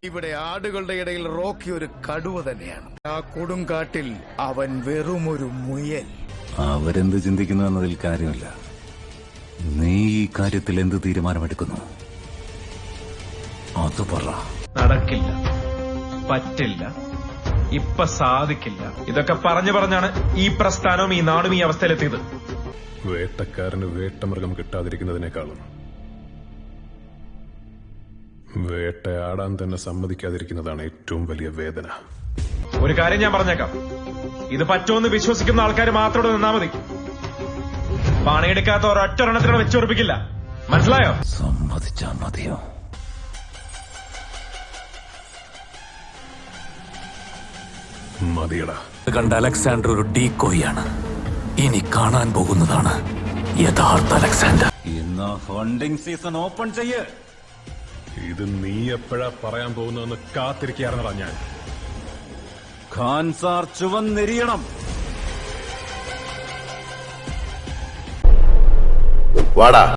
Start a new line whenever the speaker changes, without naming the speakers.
ഇവിടെ ആടുകളുടെ ഇടയിൽ റോക്കി ഒരു കടുവ തന്നെയാണ്. ആ കൊടുങ്കാട്ടിൽ അവൻ വെറുമൊരു മുയൽ.
അവരെന്ത് ചിന്തിക്കുന്നു എന്നതിൽ കാര്യമില്ല. നീ ഈ കാര്യത്തിൽ എന്ത് തീരുമാനമെടുക്കുന്നു അത് പറ.
നടക്കില്ല, പറ്റില്ല, ഇപ്പൊ സാധിക്കില്ല. ഇതൊക്കെ പറഞ്ഞാണ് ഈ പ്രസ്ഥാനവും ഈ നാടും ഈ അവസ്ഥയിലെത്തിയത്.
വേട്ടക്കാരന് വേട്ടമൃഗം കിട്ടാതിരിക്കുന്നതിനേക്കാളും വേട്ടയാടാൻ തന്നെ സമ്മതിക്കാതിരിക്കുന്നതാണ് ഏറ്റവും വലിയ വേദന.
ഒരു കാര്യം ഞാൻ പറഞ്ഞേക്കാം, ഇത് പറ്റുമെന്ന് വിശ്വസിക്കുന്ന ആൾക്കാർ മാത്രം നിന്നാ മതി. പണിയെടുക്കാത്ത ഒരൊറ്റൊരെണ്ണത്തിനോട് വെച്ചുറപ്പിക്കില്ല. മനസ്സിലായോ?
സമ്മതിച്ചാ മതിയോ?
മതിയടാ.
കണ്ട അലക്സാണ്ടർ ഒരു ഡീക്കോയാണ്. ഇനി കാണാൻ പോകുന്നതാണ് യഥാർത്ഥ അലക്സാണ്ടർ. ഇന്ന് ഹണ്ടിങ് സീസൺ ഓപ്പൺ ചെയ്യ്.
ഇത് നീ എപ്പോഴാ പറയാൻ പോകുന്നതെന്ന് കാത്തിരിക്കാറുന്നതാ ഞാൻ.
ഖാൻ സാർ ചുവന്നെരിയണം.
വാടാ.